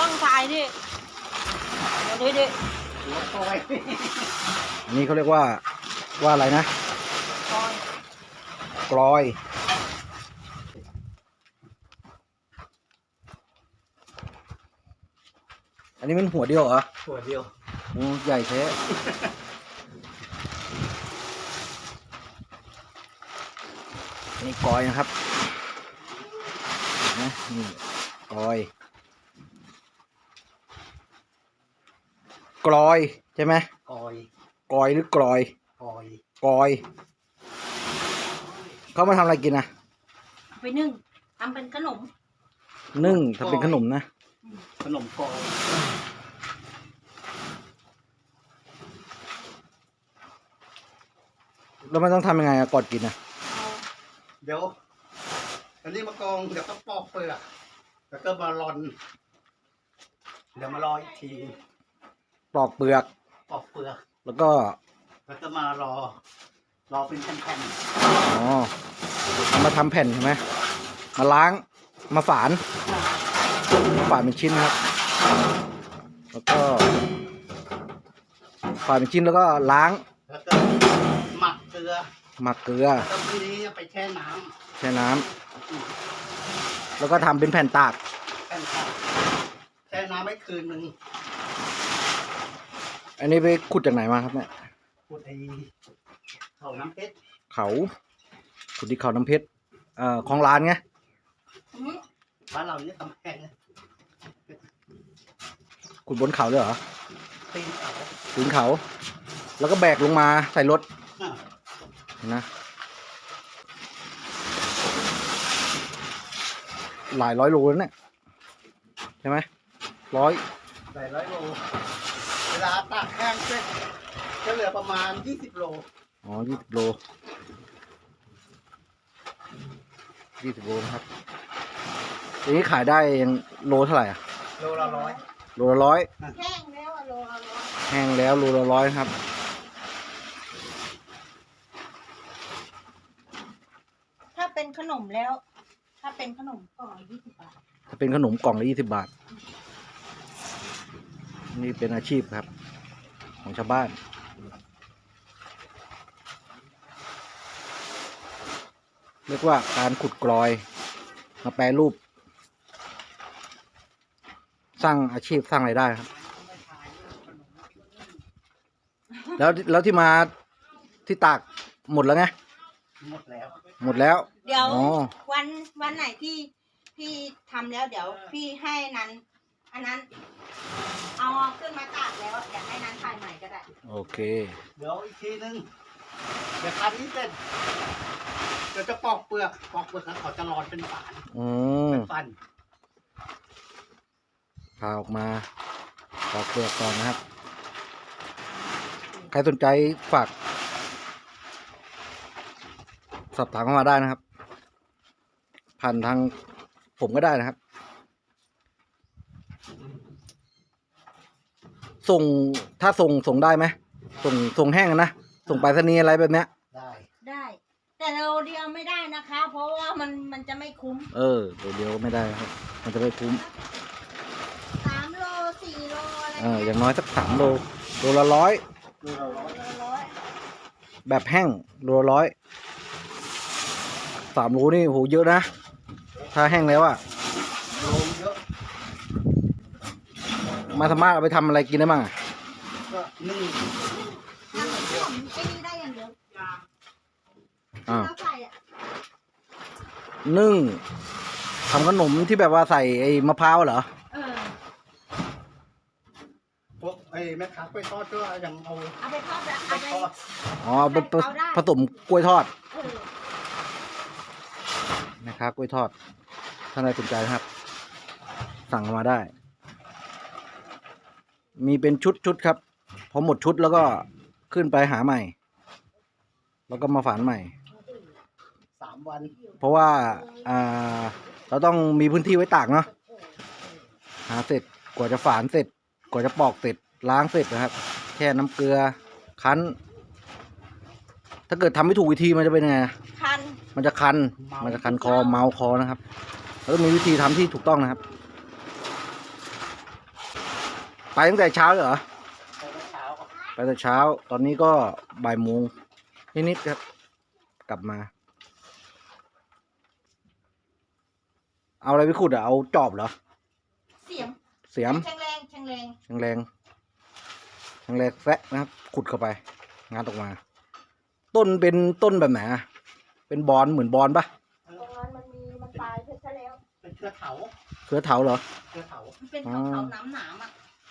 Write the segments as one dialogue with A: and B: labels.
A: ต้องถ่ายดิเดี๋ยวดิ
B: หัวคอย
C: อันนี้เขาเรียกว่าอะไรนะ
A: คอย
C: กลอยอันนี้มันหัวเดียวเหรอ
B: หัวเดียว
C: โอ้ใหญ่แท้นี่กลอยนะครับนะนี่กลอยใช่ไหม
B: คอย
C: กลอยหรือกลอย
B: คอย
C: กลอยเขามาทำอะไรกินนะ
A: เอาไปนึ่งทำเป็นขนม
C: นึ่งทำเป็นขนมนะ
B: ขนมคอย
C: แล้วมันต้องทำยังไงอะก่อนกินอะ
A: เอา
B: เดี๋ยวอันนี้มากองเดี๋ยวก็ปอกเปลือกแล้วก็มาร่อนเดี๋ยวมารออีกที
C: ปลอกเปลือก
B: ปอกเปลือก
C: แล้วก็
B: แล้วก็มารอเป็นแผ่น
C: อ๋อเอามาทำแผ่นใช่ไหมมาล้างมาฝานเป็นชิ้นนะครับ แล้วก็ฝานเป็นชิ้นแล้วก็ล้าง
B: ๆแล้วก็หมักเกลือ
C: หมักเกลือ
B: แล้วก็ทีนี้ไปแช่น้
C: แช่น้ำแล้วก็ทำเป็นแผ่นตาก
B: ำแผ่นตากแช่น้ำไว้คืนหนึ่ง
C: อันนี้ไปขุดจากไหนมาครับเนี่ย
B: พูดไอ้เขาน้ำเพชร
C: เขาขุดที่เขาน้ำเพชรของร้านไง
A: อืม
B: บ้านเราเนี่ยกำแพง
C: ขุดบนเขาเลยเหรอ
B: ตีนเขา
C: ถึงเขา แล้วก็แบกลงมาใส่รถ
B: อ่ะ
C: นะหลายร้อยโลแล้วเนี่ยใช่ไหม
B: หลายร้อยโลเวลาตากแห้งเสร็จจะเหลือประมาณ20 โล
C: อ๋อ20 โลนะครับทีนี้ขายได้โลเท่าไหร่อะ
B: โลละร้อย
C: โลละร้อย
A: แห้งแล้วอะโลละร้อย
C: แห้งแล้วโลละร้อยครับ
A: ถ้าเป็นขนมแล้ว ถ้าเป็นขนมก่อน20 บาท
C: ถ้าเป็นขนมกล่องละ20 บาท นี่เป็นอาชีพครับ ของชาวบ้าน เรียกว่าการขุดกลอยมาแปรรูป สร้างอาชีพสร้างรายได้ครับ แล้วที่มาที่ตากหมดแล้วไง
B: หมดแล้ว
C: หมดแล้ว
A: เดี๋ยว
C: อ๋อ
A: วันไหนที่พี่ทำแล้วเดี๋ยวพี่ให้นั้น อันนั้น เอาขึ้นมาตากแล้วเดี๋ยวให้นั้นถ่ายใหม่ก็ได้
C: โอเค
B: เดี๋ยวอีกทีนึงเดี๋ยวคันนี้เสร็จเดี๋ยวจะปอกเปลือกแล้วเขาจะรอนเป็นฝาน
C: อืม
B: เป็นฟัน
C: พาออกมาปอกเปลือกก่อนนะครับ ใครสนใจฝากสอบถามเข้ามาได้นะครับ ผ่านทางผมก็ได้นะครับ ถ้าส่งได้ไหมส่งแห้งนะส่งไปรษณีย์อะไรแบบเนี้ย
B: ได้
A: ได้ แต่โลเดียวไม่ได้นะคะ เพราะว่ามันจะไม่คุ้ม
C: เดี๋ยวไม่ได้ครับ มันจะไม่คุ้ม
A: 3 โล 4 โลอะไร
C: อย่างน้อยสัก3 โลโลละร้อย
B: โลละร้อย
A: โลละร้อย
C: แบบแห้งโลละร้อย3 โลนี่โหเยอะนะ ถ้าแห้งแล้วอะ
B: โลเยอะ
C: มาสามารถเอาไปทำอะไรกินได้บ้างอะ
B: ก็นึ่ง
A: ทำขนมไอ้นี่ได้อย่างเดียว
C: อ่า
A: เราใส่อะ
C: นึ่งทำขนมที่แบบว่าใส่ไอ้มะพร้าวเหรอ
A: เออ
B: พวกไอ้แม่ค้ากล้วยทอดก็ยังเอา
A: เอาไปทอดแล้ว
B: ไป
A: เอาไป
B: ทอด
C: อ๋อเป็นผสมกล้วยทอด
A: เออ
C: นะครับกล้วยทอดถ้าใครสนใจนะครับ สั่งเข้ามาได้ มีเป็นชุดครับพอหมดชุดแล้วก็ขึ้นไปหาใหม่ แล้วก็มาฝานใหม่
B: 3 วัน
C: เพราะว่าเราต้องมีพื้นที่ไว้ตากเนาะหาเสร็จกว่าจะฝานเสร็จกว่าจะปอกเสร็จล้างเสร็จนะครับแช่น้ำเกลือคั้น ถ้าเกิดทำไม่ถูกวิธีมันจะเป็นยังไง
A: คัน
C: มันจะคันคอเมาคอนะครับแล้วต้องมีวิธีทำที่ถูกต้องนะครับไปตั้งแต่เช้าเลยเหรอ
B: ไปเมื่อเช้า
C: ไปแต่เช้า ตอนนี้ก็บ่ายโมงนิดๆครับ กลับมา เอาอะไรไปขุดอ่ะ เอาจอบเหรอ
A: เสียม
C: เสียม
A: แรงแรงแรง
C: แรงแซะนะครับ ขุดเข้าไป งานออกมา ต้นเป็นต้นแบบไหนอะเป็นบอนเหมือนบอนปะ
A: ตรงนั้นมันตายไปซะแล้ว
B: เป็นเครือเถา
C: เครือเถาเหรอ
B: เครือเถา
A: มันเป็นเขาหนามอ่ะ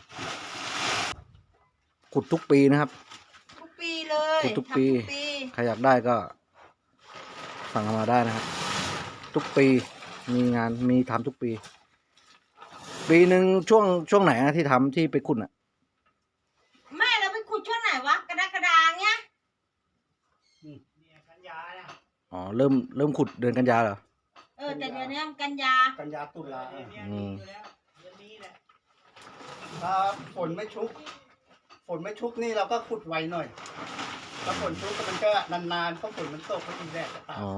C: ขุดทุกปีนะครับ
A: ทุกปีเลย
C: ขุดทุกปี
A: ทำทุกปี
C: ใครอยากได้ก็สั่งเข้ามาได้นะครับ ทุกปีมีงานมีทำทุกปี ปีหนึ่งช่วงไหนอะที่ทำที่ไปขุดอะ
A: แม่เราไปขุดช่วงไหนวะกระดาเงี้ย
B: กันยาเนี่ย
C: อ๋อเริ่มขุดเดือนกันยาเหรอ
A: แต่เดือนนี้มันกันยา
B: กันยาตุลา
C: อืม
B: ถ้าฝนไม่ชุกนี่เราก็ขุดไวหน่อยถ้าฝนชุกมันก็นานๆเพราะฝนมันตกเพราะมีแดดจะตาก
C: อ๋อ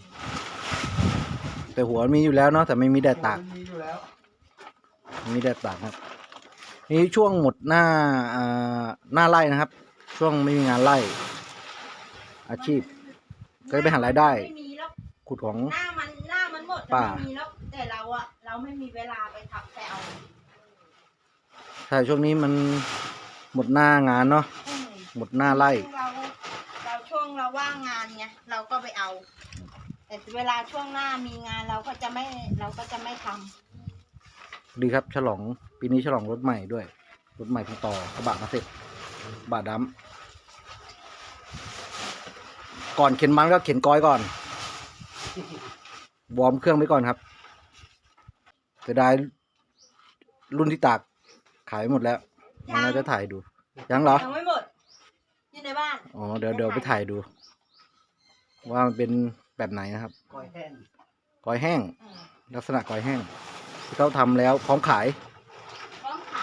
C: แต่หัวมีอยู่แล้วเนาะแต่ไม่มีแดดตาก
B: มันมีอยู่แล้ว
C: มีแดดตากครับนี่ช่วงหมดหน้าหน้าไร่นะครับ ช่วงไม่มีงานไร่ อาชีพ ก็ไปหารายได้
A: ไม่มีแล้ว
C: ขุดของ
A: หน้ามันหมด
C: ป่า
A: ไม่มีแล้วแต่เราไม่มีเวลาไปทำแต่เอา
C: ใช่ช่วงนี้มันหมดหน้างานเนาะ
A: อืม
C: หมดหน้าไร่
A: ช่วงเราว่างงานไงเราก็ไปเอา แต่เวลาช่วงหน้ามีงานเราก็จะไม่ทำ
C: ดีครับฉลองปีนี้ฉลองรถใหม่ด้วย รถใหม่เพิ่งต่อกระบะมาเสร็จกระบะดำก่อนเข็นมันก็เข็นก้อยก่อน วอร์มเครื่องไว้ก่อนครับเสียดายรุ่นที่ตากขายหมดแล้วเราจะถ่ายดูยังเหรอ
A: ยังไม่หมดอยู่ในบ้าน
C: อ๋อเดี๋ยวไปถ่ายดู ว่ามันเป็นแบบไหนนะครับ
B: กอยแห้ง
C: ก้อยแห้ง
A: อืม
C: ลักษณะก้อยแห้งที่เขาทำแล้วพร้อมขาย
A: พร้อมขาย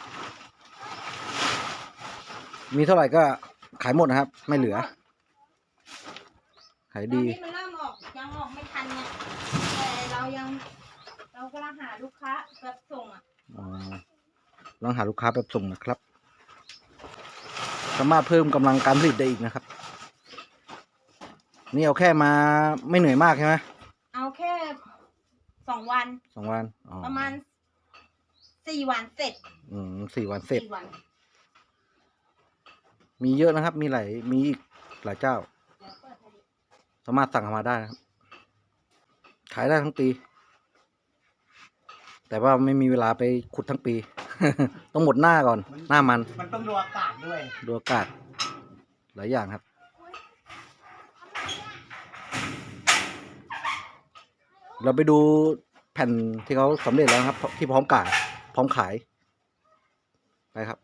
C: มีเท่าไหร่ก็ขายหมดนะครับ ไม่เหลือ ขาย
A: ตอน
C: ดี
A: นี้มันเริ่มยังออกไม่ทันไงแต่เรากำลังหาลูกค้าแบบส่งอ่ะ
C: อ๋อลองหาลูกค้าแบบส่งนะครับ สามารถเพิ่มกำลังการผลิตได้อีกนะครับ นี่เอาแค่มาไม่เหนื่อยมากใช่ไหม
A: เอาแค่2 วัน
C: 2 วันอ๋อ
A: ประมาณ4 วันเสร็จ
C: 4 วันเสร็จ
A: 4 วัน
C: มีเยอะนะครับ มีอีกหลายเจ้า
A: เดี๋ยวเปิดให้ดู
C: สามารถสั่งเข้ามาได้นะครับ ขายได้ทั้งปี แต่ว่าไม่มีเวลาไปขุดทั้งปี ต้องหมดหน้าก่อน หน้ามัน
B: มันต้องดูอากาศด้วย
C: ดูอากาศหลายอย่างครับ เราไปดูแผ่นที่เขาสำเร็จแล้วครับ ที่พร้อมขายไปครับ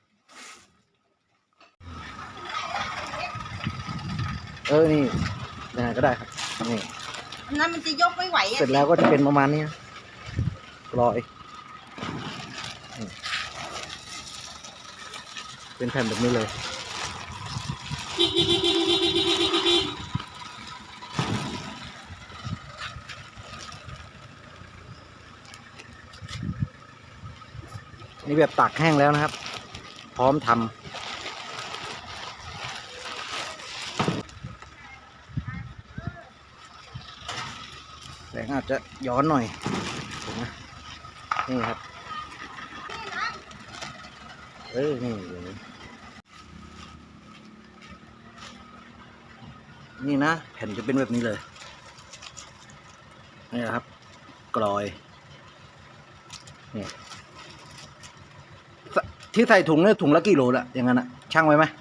C: นี่ยังไงก็ได้ครับนี่
A: อันนั้นมันจะยกไม่ไหวอ่ะ
C: เสร็จแล้วก็จะเป็นประมาณนี้นะกลอยนี่เป็นแผ่นแบบนี้เลย นี่แบบตากแห้งแล้วนะครับ พร้อมทำแสงอาจจะย้อนหน่อยเห็นไหมนี่ครับ นี่นะแผ่นจะเป็นแบบนี้เลย นี่นะครับ กลอยนี่ที่ใส่ถุงเนี่ยถุงละกี่โลละอย่างนั้นอะช่างไว้ไหม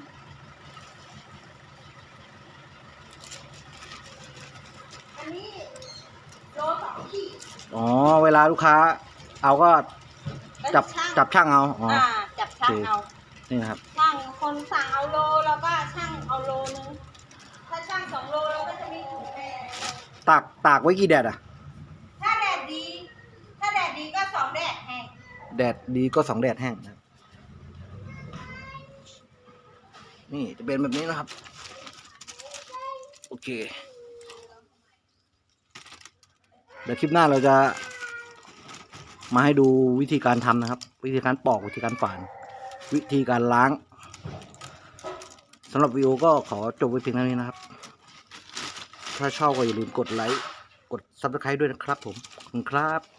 A: อันนี้โล2 ขีด
C: อ๋อเวลาลูกค้า เอาก็จับช่างเอาอ๋อ
A: จับช่างเอา
C: นี่นะครับ
A: ช่างคนสั่งเอาโลแล้วก็ช่างเอาโลนึงถ้าช่าง2 โลเราก็จะมีถุงแพร
C: ตากไว้กี่แดดอะ
A: ถ้าแดดดีก็2 แดดแห้ง
C: แดดดีก็2 แดดแห้งนะครับนี่จะเป็นแบบนี้นะครับ โอเค เดี๋ยวคลิปหน้าเราจะมาให้ดูวิธีการทำนะครับวิธีการปอกวิธีการฝาน วิธีการล้างสำหรับวิดีโอก็ขอจบไว้เพียงเท่านี้นะครับ ถ้าชอบก็อย่าลืมกดไลค์กด Subscribe ด้วยนะครับผมขอบคุณครับ